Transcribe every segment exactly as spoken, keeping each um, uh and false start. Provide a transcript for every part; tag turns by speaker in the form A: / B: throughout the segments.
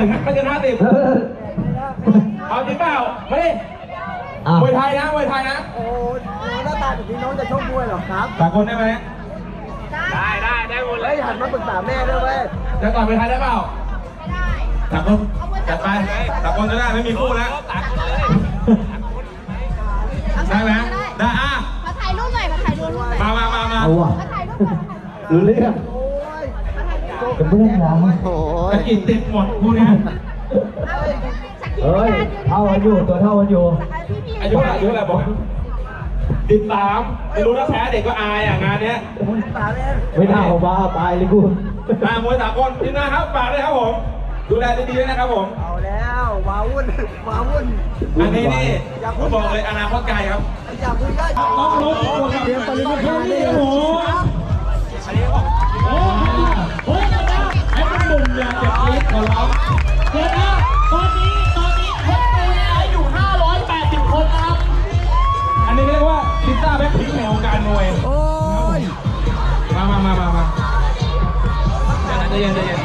A: ถึงไม่เกินห้าสิบเอาจริงเปล่าไม่มวยไทยนะมวยไทยนะ
B: โอ้หน้าตาแบบนี้น้องจะชกมวยหรอครับ
A: สากลได้ไหม
B: ได้ได้ได้หมดเลยหันมาปรึกษาแม่ด้วยเว้ย
A: จะต่อยมวยไทยได้เปล่าสากลจัดไปสากลจะได้ไม่มีคู่แล้วได้ไหมได้อ่ะ
C: มาถ่ายรูปหน่อยมาถ่ายรูปหน่อย
A: มามามามา
C: มาถ่ายรูป
D: รู้เรื่องจะเพื่อนเรา
B: โอ้
A: ยกินติดหมดคู่นี้
D: เฮ้ยเท่ากันอยู่ตัวเท่ากันอยู่
A: อายุอายุอะไรบอกติดสามไม่รู้ถ้าแพ้เด็กก็อายอ่ะงานเนี้ย
D: ไม่น่าของบ้าตายเลยกู
A: มามวยสากลทีมงานครับฝากเลยครับผมดูแลดีๆด้วยนะครับผม
B: เอาแล้วว้าวุ่นว้าวุ่น
A: อันนี้นี่ผมบอกเลยอนาคตไกลครับ
B: อยากคุยได้
A: ต้องรู้คนเรียนปริญญานี่โอ้โหโอ้โหไอ้มันหนุ่มอย่างเจ็บลิ้นของเรา
E: เดี๋ยวนะตอนนี้ตอนนี้คนดูไลฟ์อยู่ห้าร้อยแปดสิบคนนะครับ
A: อันนี้เรียกว่าพิซซ่าแบ็คพิงค์ในวงการมวย
B: โอ้ย
A: มามามามามาใจเย็นใจเย็น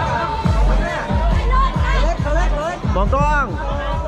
B: มองกล้อง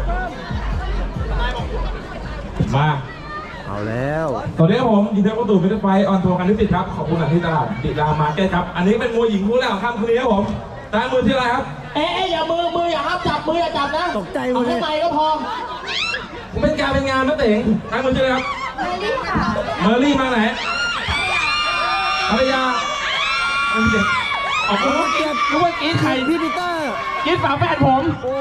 A: มา
B: เอาแล้ว
A: สวัสดีครับผมยินดีต้อนรับสู่มิสเตอร์ไฟออนทัวร์กันที่ติดครับขอบคุณที่ตลาดติดามาร์เก็ตครับอันนี้เป็นมวยหญิงคู่แรกของค่ำคืนนี้ครับผมตามมือที่อะไรครับ
E: เอ๊ะอย่ามือมืออย่าห้ามจับมืออย่าจับนะ
B: ตกใจ
E: เอาแค่ไมก็พอ
A: เป็นการเป็นงานนะเต๋งตามมือที่อะไรครับ
C: เมอรี่ค่ะ
A: เมอรี่มาไหนภรรยาเป็นเด็กออกรู้เกียรติรู้ว่ากีดไข่
B: พี่ปีเตอร์
A: กีดฝาแฝดผม
B: โอ้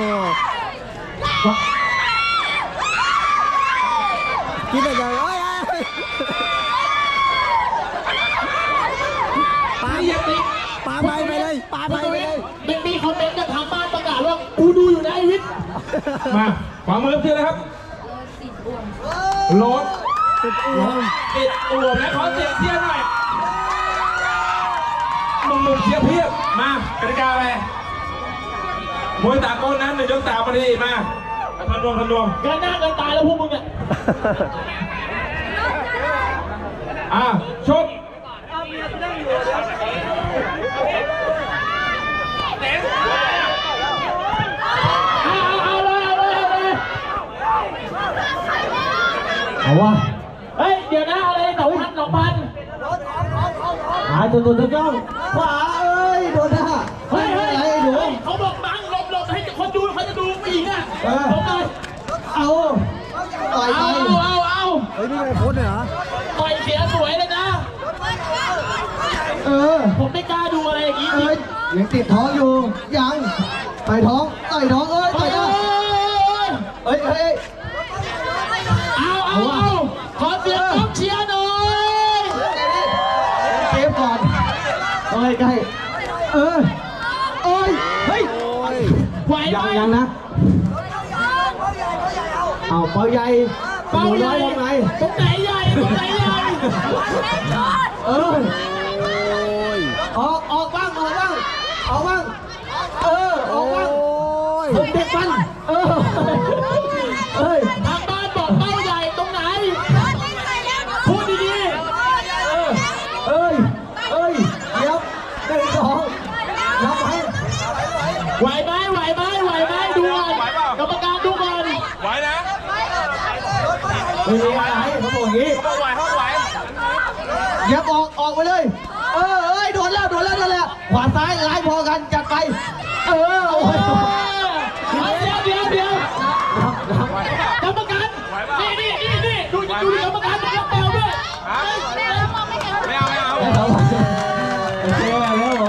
B: คิดอะไรโอ้ยปาอย่าติปาไปไปเลยปาไปไปเลย
E: มันมีคอมเมนต์จากทางบ้านประกาศว่ากูดูอยู่นะไอวิทย์
A: มาขวามือที่อะไรครับรถ
B: ติดอ้วม
A: ติดอ้วมและขอเสียงเชียร์หน่อยหนุ่มๆเชียร์เพียบมากติกาไปมวยตากลนั้นหนึ่งยกสามมาดีมาพันรวมพันรวม
E: กันหน้ากันตายแล้วพวกมึงอ่ะ
A: อ่ะชก
D: เอาวะ
E: เฮ้ยเดี๋ยวนะอะไรสองพันสองพัน
D: หายตัวตัวตัวจ้องขวาเอ้ยโดนหน้า
E: เฮ้ยเฮ้ยหนูเขาบอกบังหลบหลบให้คนดูเขาจะดูผู้หญิงอ่ะหลบเลย
D: เอาต่อย
E: เอาเอาเอา
B: เฮ้ยนี่ไงโค้ชเหรอ
E: ต่อยเสียสวยเลยนะ
D: เออ
E: ผมไม่กล้าดูอะไรอย่างนี้
D: เอ้ยยังติดท้องอยู่ยังต่อยท้องต่อยท้องเอ้ยต่อยหน้าเฮ้ยเฮ้ย
E: เอาเอาเอาขอเสียงกองเชียร์หน่อย
D: เกมก่อนเอ้ยใกล้เออเอ้ยเฮ้ย
E: ไหวไหม
D: ยังยังนะเอาเป้าใหญ่
E: เป้าใหญ่
D: ตรงไหน
E: ตรงไหนใหญ่ตรงไหนใหญ่
D: เออออกออกบ้างออกบ้างออกบ้างเออออกบ้างผมเด็กมันเออเฮ้ย
E: ทางบ้านบอกเป้าใหญ่ตรงไหนพูดดีๆ
D: เออเอ้ยเอ้ยเดี๋ยวหนึ่งสองนับไป
E: ไหวไหมไหวไหมไหวไหมดูก่อนกรรมการดูก่อน
A: ไหวนะ
D: ไม่มีอะไรเขาบอกอย่างนี้
A: เขาไหวเขาไหว
D: ยับออกออกไปเลยเออเอ้ยโดนแล้วโดนแล้วโดนแล้วขวาซ้ายไล่พอกันจัดไปเออโอ้ย
E: เดี๋ยวเดี๋ยวเดี๋ยวกรรมการนี่นี่นี่นี่ดูดูกรรมการรับแปลด้วย
A: ไม่เอาไม่เอาไม่เอา
D: โอเคแล้วเหรอ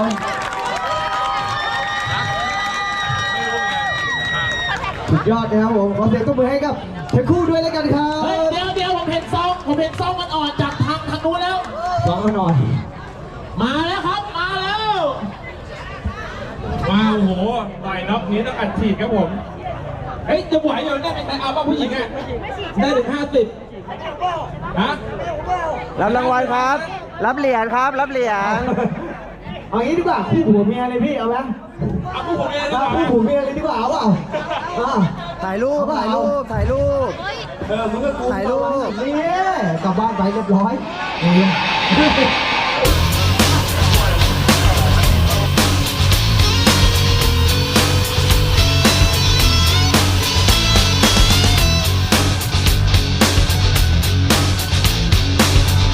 D: สุดยอดนะครับผมขอเสียงตบมือให้กับทั้งคู่ด้วยแล้วกันครับ
E: เดี๋ยวเดี๋ยวผมเห็นซองผมเห็นซองมันอ่อนจากทางทางนู้นแล้ว
D: ซองมันอ่อน
E: มาแล้วครับมาแล้ว
A: มาโอ้โหต่อยน็อกนี้ต้องอัดฉีดครับผมเฮ้ยจะไหวอยู่ได้ไหมเอาป่ะผู้หญิงอ่ะได้ถึงห้าสิบฮะ
B: รับรางวัลครับรับเหรียญครับรับเหรียญ
D: เอางี้ดีกว่าคู่ผัวเมียเลยพี่เอาไหม
A: เอาคู่ผัวเมียดีกว่า
D: คู่ผัวเมียเลยดีกว่าเอาเปล่า
B: ถ่ายรูปถ่ายรูปถ่ายรูป
D: เออมึงก็
B: ถ่ายรูป
D: นี่กลับบ้านไปเรียบร้อย